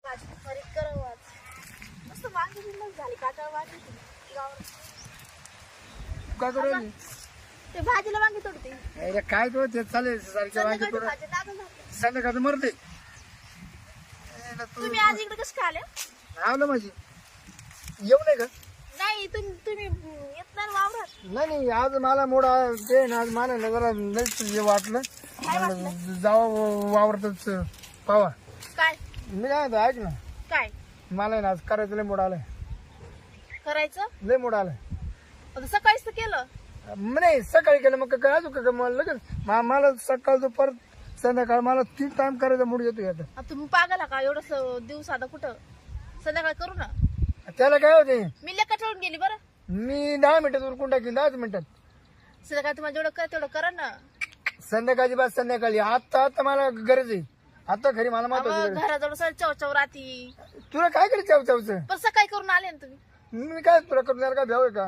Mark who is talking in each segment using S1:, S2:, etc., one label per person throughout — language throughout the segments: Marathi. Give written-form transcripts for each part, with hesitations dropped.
S1: भाजी खरीद करावं आज. मस्त वांगी बिंदच झाली काटाळ वांगी गावावर.
S2: काय करू राहिली?
S1: ते भाजीला वांगी तोडते.
S2: अरे काय तो ते चालेल सारखे वांगे
S1: संध्याकाळची
S2: तोड
S1: भाजी लागून जाते.
S2: संध्याकाळचं मरते
S1: तुम्ही आज इकडे कसं काय आले?
S2: आवलं माझी येऊ नाही का?
S1: नाही तुम्ही येत नाही ना वावरात.
S2: नाही आज मला मोडा ते ना आज मला ना जरा लईच हे वाटलं
S1: काय वाटलं?
S2: जावं वावरतच पावा.
S1: काय
S2: मी काय म्हणतो ऐक ना,
S1: काय
S2: मला ना आज करायचं लय मोड आलाय,
S1: करायचं?
S2: लय मोड आलाय.
S1: आता सकाळीच तर केलं.
S2: नाही सकाळी केलं मग काय अजून काय मला लगेच मला सकाळचं परत संध्याकाळ मला 3 टाइम करायचा मूड येतो आता.
S1: आता तुम्ही पागला का एवढं दिवस आता कुठं संध्याकाळ करू ना.
S2: त्याला काय होते,
S1: मी लेखा ठेवून गेली बरं.
S2: मी 10 मिनिटात उरकून टाकीन 10 मिनिटात.
S1: संध्याकाळ तुम्हाला जेवढं कर तेवढं करा ना.
S2: संध्याकाळची बात संध्याकाळी आता मला गरज आहे आता खरी मला महत्वाची.
S1: घराजवळ सर चवचव राहती.
S2: तुला काय करायचं चावचावचं?
S1: पण सकाळी करून आले ना तुम्ही.
S2: मी काय तुला करून द्यायला काय भ्याव आहे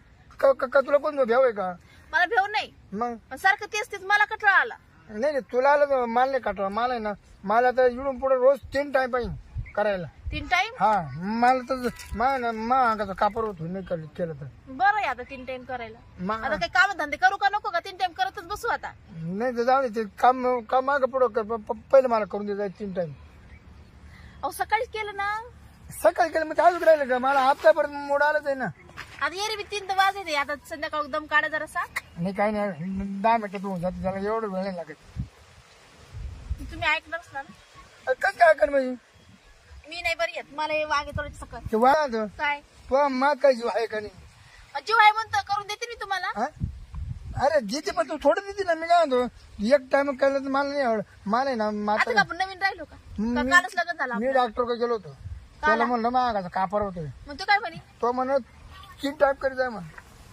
S2: का तुला कोण भ्याव आहे का?
S1: मला भेव नाही.
S2: मग
S1: पण सारखं तेच तेच मला कठळा आला.
S2: नाही तुला आलं तर मला नाही काटवा. मला आहे ना मला तर इकडून पुढे रोज 3 टाइम पाहिजे करायला.
S1: 3 टाइम?
S2: हा मला तर अंगाचा कापर होतो नाही केलं तर.
S1: बरं आहे आता 3 टाइम करायला.
S2: मा-
S1: आता काही काम धंदे करू का नको का 3 टाइम करतच बसू आता.
S2: नाही तर जाऊ दे ते काम मागं पुढं कर पहिलं मला करून दे 3 टाइम.
S1: अहो सकाळीच केलं ना.
S2: सकाळी केलं मग अजून राहिलं का? मला हप्त्यापर्यंत मोड आलंच आहे ना.
S1: आता येरी बी 3 तर वाजले. आता संध्याकाळ दम काढा जरा सा.
S2: नाही काही नाही 10 मिनिटात होऊन जाते त्याला एवढं वेळ नाही लागत.
S1: तुम्ही ऐकणारच ना.
S2: कसं काय कर म्हणजे
S1: मी नाही बरी येत. मला हे वागे थोडे सकाळ.
S2: ते वाढ
S1: काय
S2: तो मा काय जीव आहे का नाही?
S1: जीव आहे म्हणतो करून देते मी तुम्हाला.
S2: हा? अरे जिथे पण तू थोडं देते ना. मी काय म्हणतो एक टाइम केलं तर मला नाही आवड. मला आहे ना
S1: आता
S2: माता
S1: का आपण नवीन राहिलो का?
S2: मी-
S1: कालच लग्न झालं
S2: मी
S1: आपलं.
S2: डॉक्टरकडे गेलो होतो. त्याला म्हणलं मागाचा कापर होतोय.
S1: मग तो काय म्हणे?
S2: तो म्हणत 3 टाइम करीत आहे म्हण.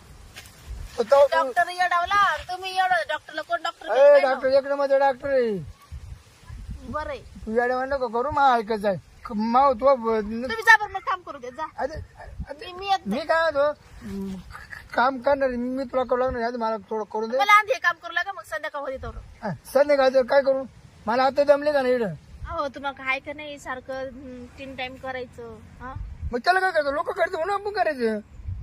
S2: तर तो
S1: डॉक्टर येडावला. तुम्ही एवढं डॉक्टरला कोण
S2: डॉक्टर
S1: डॉक्टर?
S2: एक नंबर डॉक्टर आहे.
S1: बरं आहे.
S2: तू येड्या म्हणलं करू मा ऐकायचं आहे माव तो
S1: तुम्ही जा बरं मग काम करू दे जा.
S2: अरे
S1: मी येत नाही.
S2: मी काय म्हणतो काम करणार आहे. मी तुला करू लागणार आहे. मला थोडं करून दे.
S1: मला आधी हे काम करू लागा मग संध्याकाळ होते तर.
S2: संध्याकाळचं काय करू? मला आता जमले का नाही इकडं?
S1: हो तुम्हाला काय का नाही सारखं 3 टाइम करायचं. हा
S2: मग त्याला काय करतो? लोक करतो म्हणून आपण करायचं.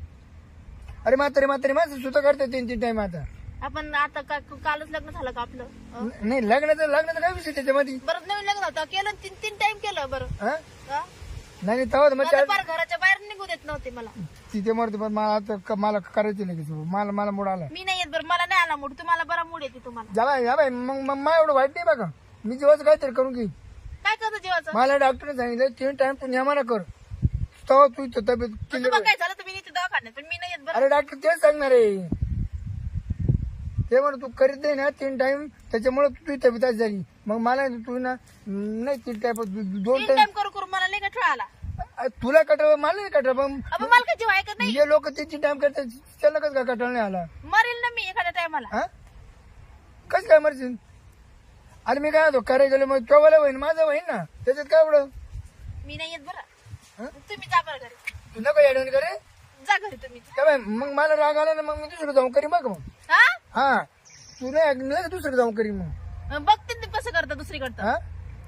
S2: अरे म्हातारे माझं सुद्धा करते 3 टाइम आता.
S1: आपण आता कालच लग्न झालं का आपलं?
S2: नाही लग्नाचं काय विषय त्याच्यामध्ये?
S1: बरं नवीन लग्न होतं केलं 3 टाइम केलं बरं.
S2: हा?
S1: हा?
S2: नाही तेव्हा मग
S1: मला फार घराच्या बाहेर निघू देत नव्हते मला.
S2: तिथे मरते पण मला आता मला करायचं नाही की मला मूड आला.
S1: मी नाही येत बरं. मला नाही आला मूड. तुम्हाला बरा मूड येते तुम्हाला.
S2: या बाई मग मा एवढं वाईट नाही बघा. मी जेव्हा काहीतरी करून घे.
S1: काय करतो जेवायचं?
S2: मला डॉक्टरने सांगितलं 3 टाइम तू नेमाना कर तेव्हा तू तब्येत
S1: मग तुम्हाला काय झालं तुम्ही इथे दवाखान्यात पण मी नाही येत बरं.
S2: अरे डॉक्टर तेच सांगणार आहे. ते म्हण तू करीत नाही ना 3 टाइम त्याच्यामुळे तुझी तब्येत अशी झाली. मग मला तू ना नाही 3 टाइम 2
S1: 3
S2: टाइम
S1: टाइम करू करू मला नाही का आला.
S2: तुला कटळ मला नाही कटळ. पण
S1: अबे मला काय जीव आहे का नाही?
S2: जे लोक 3 टाइम करतात त्याला कसं काय कटळ नाही आला?
S1: मरेल ना मी एखाद्या टायमाला.
S2: हा कसं काय मरशील? अरे मी काय होतो करायला गेलो मग तो होईन माझं होईन ना त्याच्यात काय एवढं?
S1: मी नाही येत
S2: हा?
S1: बरं. तुम्ही जा बरं घरी.
S2: तू नको ऍडवण करे
S1: जा घरी तुम्ही.
S2: काय बाई, मग मला राग आला ना मग मी दुसरं जाऊन करी बघ. मग
S1: हा
S2: हा तू नाही दुसरं जाऊन करी मग.
S1: बघते ते कसं करता दुसरीकडं.
S2: हा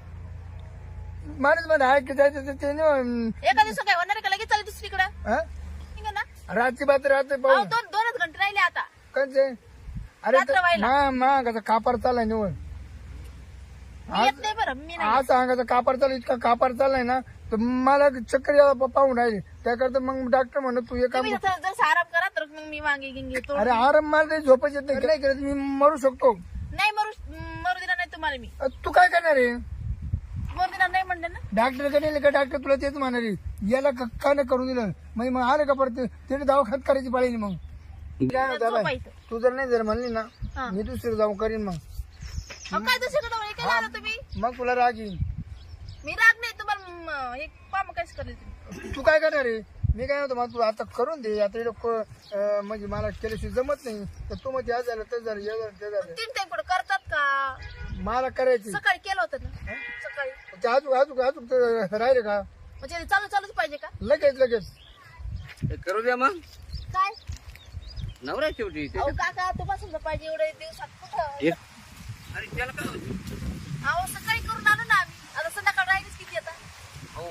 S2: माणूस मध्ये ऐक जायचं ते नाही.
S1: एका दिवस काय होणार आहे का लगेच चालेल दुसरीकडं.
S2: हा?
S1: ठीक आहे ना.
S2: रातची बात राहते
S1: अहो,
S2: पाहू
S1: दोनच घंटे राहिले आता.
S2: कंचे. अरे
S1: रात्र व्हायला.
S2: मागाचा कापार चाललाय निवड.
S1: मी येत नाही बरं. मी नाही.
S2: आज अंगाचा कापार चालू इतका कापार चाललाय ना तर मला चक्कर यायला पाहून राहिले. त्याकरता मग डॉक्टर म्हणत तू हे काम
S1: तुम्ही जर आराम करा तर मग मी वांगे गिंगे तो.
S2: अरे आराम मला काही झोपच येत नाही. काय करत मी मरू शकतो.
S1: नाही मरू देणार नाही तुम्हाला मी.
S2: तू काय करणार आहे?
S1: मरू देणार नाही म्हणलं ना.
S2: डॉक्टर कडे का डॉक्टर तुला तेच म्हणणार आहे याला का नाही करून दिलं. मग आलं का परत तिने दवाखान्यात करायची पाळी मग. काय होतं बाई,
S1: झोपायचं.
S2: तू जर नाही जर म्हणली ना
S1: हा.
S2: मी दुसरं जाऊन करीन मग.
S1: अहो, काय दुसरीकडं वळी काय झालं तुम्ही?
S2: मग तुला राग येईल.
S1: मी राग नाही तुम्हाला एक काम काहीच करेल तुम्ही.
S2: तू काय करणार आहे? मी काय म्हणतो तू आता करून दे. आता इकडं म्हणजे मला केल्याशिवाय जमत नाही तर तू मग या झालं तर झालं हे झालं ते झालं.
S1: 3 टाइम कुठं करतात का?
S2: मला करायची
S1: सकाळी केलं होतं ना. सकाळी
S2: ते अजून राहिले का
S1: म्हणजे ते चालूच पाहिजे का?
S2: लगेच
S3: हे करू द्या मग.
S1: काय
S3: नवरा आहे शेवटी
S1: अहो काका तुम्हाला समजा पाहिजे एवढे दिवसात कुठं.
S3: अरे त्याला काय होतं?
S1: अहो सकाळी करून आणू ना आम्ही. आता संध्याकाळ राहिलीच किती आता.
S3: अहो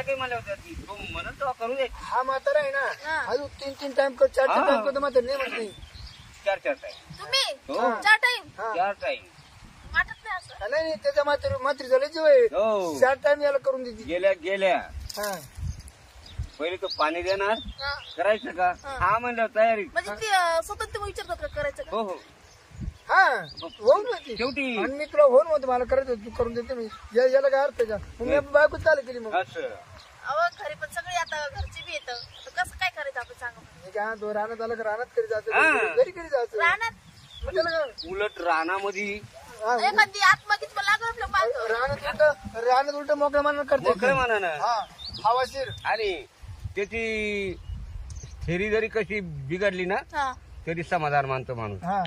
S3: काही म्हणलं होतं की तो म्हणत तेव्हा करू दे.
S2: हा म्हातारा आहे
S1: हा.
S2: ना अजून 3 टाइम कर 4
S3: हा.
S2: टाइम करतो म्हातारा नाही म्हणत नाही.
S3: 4 टाइम.
S1: तुम्ही
S3: हो.
S1: 4 टाइम
S2: हा.
S3: 4 टाइम.
S1: वाटत नाही असं.
S2: नाही नाही त्याच्या मात्री झाले जीव आहे
S3: हो
S2: 4 टाइम याला करून देते.
S3: गेल्या
S2: हा
S3: पहिले तो पाणी देणार
S1: हा.
S3: करायचं का
S1: हा.
S3: हा म्हणलं तयारी.
S1: म्हणजे ते स्वतः तुम्ही विचारतात का करायचं का?
S3: हो हो
S2: हा होऊन होती
S3: शेवटी
S2: आणि मी तुला होऊन होतं मला करायचं तू करून देते मी याला काय अर्थ आहे का मग मी बायको चालू केली मग
S3: असं
S1: अहो घरी पण सगळे आता घरचे बी येतं आता कसं काय करायचं आपण सांगा
S2: मी काय तो रानात आला का रानात करी
S3: हा.
S2: जायचं घरी करी जायचं
S1: राहणार
S2: मग त्याला काय?
S3: उलट रानामध्ये
S2: हा,
S1: एखादी आत्मगीत पण लागलं आपलं पाहतो
S2: रानात उलट मोकळ्या मानानं करते
S3: मोकळं म्हणा
S2: हा हवाशीर
S3: आणि त्याची थेरी जरी कशी बिघडली ना
S1: हा
S3: तरी समाधान मानतो माणूस.
S2: हा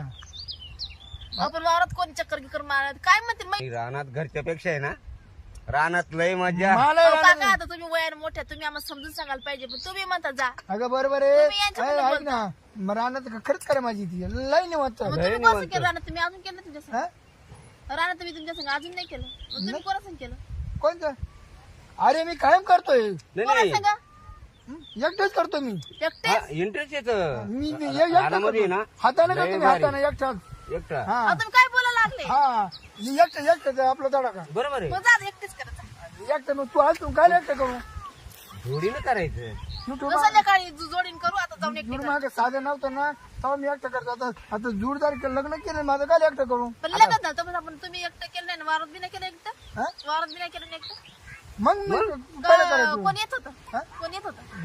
S1: आपण वावरात कोणी चक्कर गिकर मारत काय म्हणते
S3: आणि रानात घरच्या पेक्षा आहे ना रानात लय मजा.
S2: मला
S1: अहो,
S2: रानात-
S1: काका आता तुम्ही वयाने मोठ्या तुम्ही आम्हाला समजून सांगायला पाहिजे पण तुम्ही म्हणता जा
S2: अगं बरोबर
S1: तुम्ही यांच्याबद्दल
S2: आहे ऐक ना मग रानात खरंच करा माझी ती लई नाही वाटत
S1: मग तुम्ही
S3: नाही
S1: कसं
S3: म्हणतो.
S1: केलं राहणार तुम्ही अजून केलं तुमच्या संग?
S2: हा
S1: राहणार तुम्ही तुमच्या संग अजून नाही केलं मग तुम्ही कोणासंग केलं
S2: कोणतं अरे मी कायम करतोय
S3: नाही नाही
S1: कोणासंग
S2: एकटाच करतो मी
S1: एकटे
S3: इंटरेस्ट येत
S2: मी एकटा
S3: रानामध्ये आहे ना
S2: हाताने
S3: लय
S2: करतो मी
S3: भारी.
S2: हाताने एकटाच
S3: एकटा
S2: हा
S1: अहो, तुम्ही काय बोलायला लागले
S2: हा मी एकटाच आपला तडा का
S3: बरोबर आहे.
S1: मग जा एकटेच करायचं
S2: एकटा मग तू आज तू काय एकटा करू
S3: जोडीनं करायचं.
S2: युट्यूब
S1: मग संध्याकाळी जोडीन करू आता जाऊन एकटे
S2: जुड मागे साधं नव्हतं ना तेव्हा मी एकटा करतो आता जुडदार लग्न केलं माझं काय एकटा करू
S1: पण लगत झालं पण आपण तुम्ही एकटं केलं नाही ना वावरात बी नाही केलं एकटं
S2: हा?
S1: वावरात बी नाही केलं ना एकटं
S2: मग मी काय करायचं
S1: कोण येत होतं
S2: हा?
S1: कोण येत होतं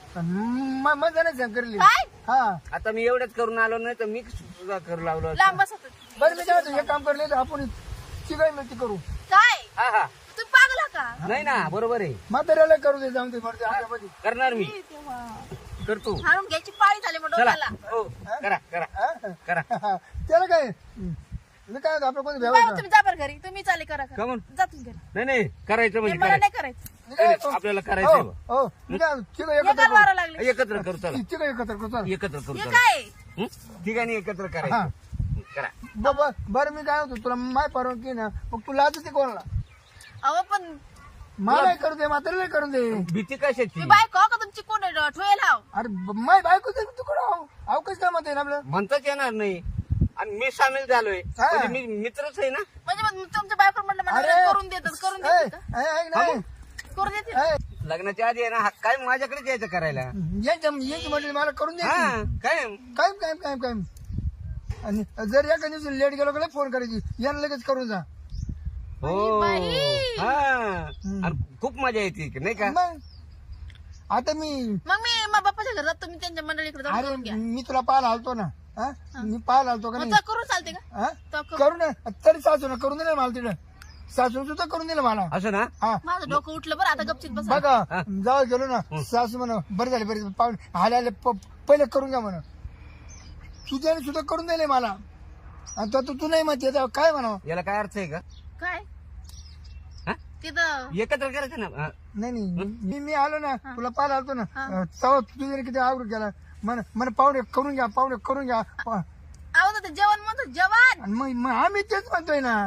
S2: नाही मजा नाही करली
S1: काय
S2: हा
S3: आता मी एवढंच करून आलो नाही तर मी सुद्धा करू लागलो असतो.
S1: लांब बसत होते.
S2: बरं मी काय हे काम करले आपण चिकाई मिळती करू
S1: काय
S3: हा हा
S1: तुम्ही पागला का
S3: नाही ना बरोबर आहे
S2: म्हाताऱ्याला करू दे जाऊन ते मरते आपल्यामध्ये
S3: करणार मी
S1: ए देवा.
S3: करतो.
S1: हाणून घ्यायची पाळी झाली मग
S3: चला
S1: डोक्याला
S3: हो करा करा
S2: हा?
S3: करा.
S2: त्याला काय मी काय आपलं कोणी
S1: बाबा
S2: भ्यावं
S1: तुम्ही जा बरं घरी तुम्ही चाले करा
S3: का म्हणून?
S1: जा तुम्ही घरी
S3: नाही नाही करायचं म्हणजे
S1: मला
S3: करायचं.
S1: नाही करायचं
S2: मी काय करतो?
S3: आपल्याला करायचंय बा.
S2: हो मी काय चिका
S1: हे
S2: एकत्र
S1: काय मारा लागले
S3: एकत्र करू चला
S2: चिका एकत्र करू चल
S3: एकत्र करू
S1: हे
S3: चला
S1: काय
S3: हं? ठिकाणी एकत्र
S2: हा.
S3: करायचं करा.
S2: बाबा बरं मी काय होतो तुला माय परवानगी ना मग तू लाच ते कोणाला
S1: अहो पण
S2: मला करू दे म्हाताऱ्याला करू दे
S3: भीती कशाची
S1: मी बायको का तुमची कोण ठेवायला हाव
S2: अरे माय बायको दे तू कुठं अहो कसं काय म्हणते ना आपलं
S3: म्हणताच येणार नाही आणि मी सामील झालोय
S2: हा.
S3: म्हणजे मी मित्रच आहे ना.
S1: म्हणजे मग तुमच्या बायको म्हटलं मला
S2: अरे.
S1: करून देतात करून देतात का?
S2: ऐक नाही
S1: करून देते
S3: लग्नाच्या आधी आहे ना हा काय माझ्याकडेच यायचं करायला.
S2: यांची म्हटलं मला करून दे
S3: हा काय
S2: काय काय काय काय आणि जर एका दिवशी लेट गेलो का फोन करायची यांना लगेच करून जा
S3: हो
S1: बाई.
S3: हा आणि खूप मजा येते नाही का.
S2: मग आता मी
S1: मग मी मग बाप्पाच्या घरात तुम्ही त्यांच्या मंडळीकडे जाऊन
S2: अरे
S1: करून घ्या
S2: मी तुला पाहायला आलतो ना हा? मी पाहायला आलतो का
S1: मग
S2: नाही
S1: तर करून चालते का
S2: हा?
S1: तर करू.
S2: करू ना तरी सासू ना करून दिलं मला तिकडं सासू सुद्धा करून दिलं मला
S3: असं ना.
S2: हा
S1: माझं डोकं उठलं बरं आता गपचित बसा
S2: बघा जाऊ गेलो ना सासू म्हणा बरं झाले बरे पाहुणे आले आले पहिले करून घ्या म्हणा तुझ्याने सुद्धा करून दिले मला आणि तो तू नाही म्हणते आता काय म्हणा
S3: याला काय अर्थ आहे का.
S1: काय
S3: हा?
S1: तिथं
S3: एकत्र करायचं ना. हा.
S2: नाही मी आलो ना तुला पाहायला आलतो ना
S1: हा.
S2: तेव्हा तुझ्याने किती आवड केला म्हणे पाहुणे करून घ्या
S1: आहो ना ते जेवण म्हणतो जेवण
S2: आणि मग आम्ही तेच म्हणतोय ना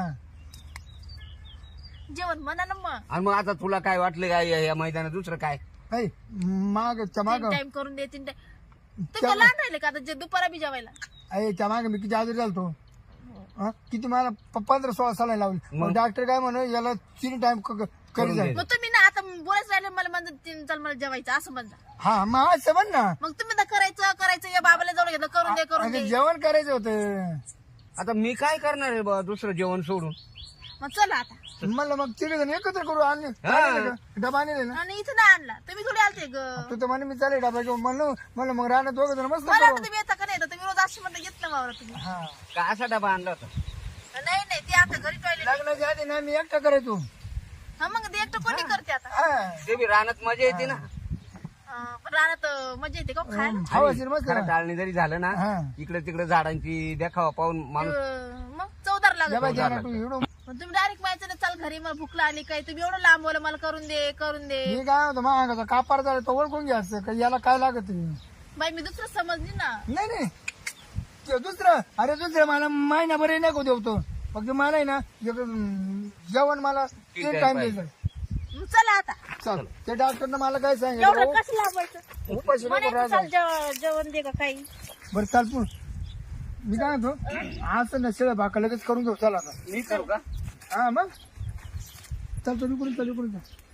S1: जेवण म्हणा ना मग
S3: आणि मग आता तुला काय वाटलं काय या मैदानात दुसरं काय.
S2: ऐ, मागच्या माग
S1: टाइम करून दे 3 टाइम तुम्ही लहान राहिले का आता जे दुपारा बी जेवायला
S2: त्या मागे मी किती आजारी झालतो हा? किती मला 15-16 साला लावली मग डॉक्टर काय म्हणे याला 3 टाइम करी जाईल
S1: मग तुम्ही ना आता बोलायचं राहिले मला म्हणतात चल मला जेवायचं असं म्हणता
S2: हा मग असं म्हण ना
S1: मग तुम्ही तर करायचं या बाबाला जाऊन घेतलं करून दे करून
S2: अगं,
S1: दे
S2: जेवण करायचं होतं
S3: आता मी काय करणार आहे बा दुसरं जेवण सोडून.
S1: मग चला आता
S2: म्हणलं मग तिघ जण एकत्र करू आणले डबा आणले ना
S1: आणि इथं नाही आणला तुम्ही थोडी आलते ग
S2: तू तर म्हणे मी चालेल डबा घेऊन म्हणलं मग राहणार दोघं जण मस्त
S1: मला
S2: करू.
S1: वाटतं तुम्ही येता का नाही येता तुम्ही रोज अशी म्हणता येत ना वावरा तुम्ही
S2: हा
S3: का असा डबा आणला होता.
S1: नाही ते आता घरी टॉयलेट
S2: लग्नाच्या आधी ना मी एकटा करायचो
S1: हा मग ते एकटं कोणी करते आता
S2: हा
S3: ते बी रानात मजा येते ना.
S1: पण राहण्यात मजा येते का खायला
S2: हवाशीर मस्त
S3: खरं टाळणी जरी झालं ना
S2: हा.
S3: इकडे तिकडे झाडांची देखावा पाहून माणूस
S1: मग चौदार लागत
S2: जेव्हा ज्याला तू एवढं
S1: पण तुम्ही डायरेक्ट माहिती ना चाल घरी मला भूक लागली काय तुम्ही एवढं लांब बोला मला करून दे
S2: मी काय होतो महागाचा कापार झाला तो ओळखून घ्यायचं का याला काय लागत
S1: बाई मी दुसरं समजली ना
S2: नाही ते दुसरं मला महिनाभर नको देवतो फक्त मला आहे ना जेवण मला
S3: ठीक
S2: 3
S3: आहे,
S2: टाइम
S3: बाय.
S2: द्यायचं
S1: मग चला आता
S2: चल त्या डॉक्टरनं मला काय
S1: एवढं
S2: सांगितलं
S1: कसं लावायचं
S2: उपाशी नको
S1: म्हणायचं
S2: राहायला.
S1: चाल जेवण दे का काही
S2: बरं चाल तू मी काय म्हणतो आज नसेल बाका लगेच करून घेऊ चला आता
S3: मी करू का?
S2: हा मग चल तू करून चल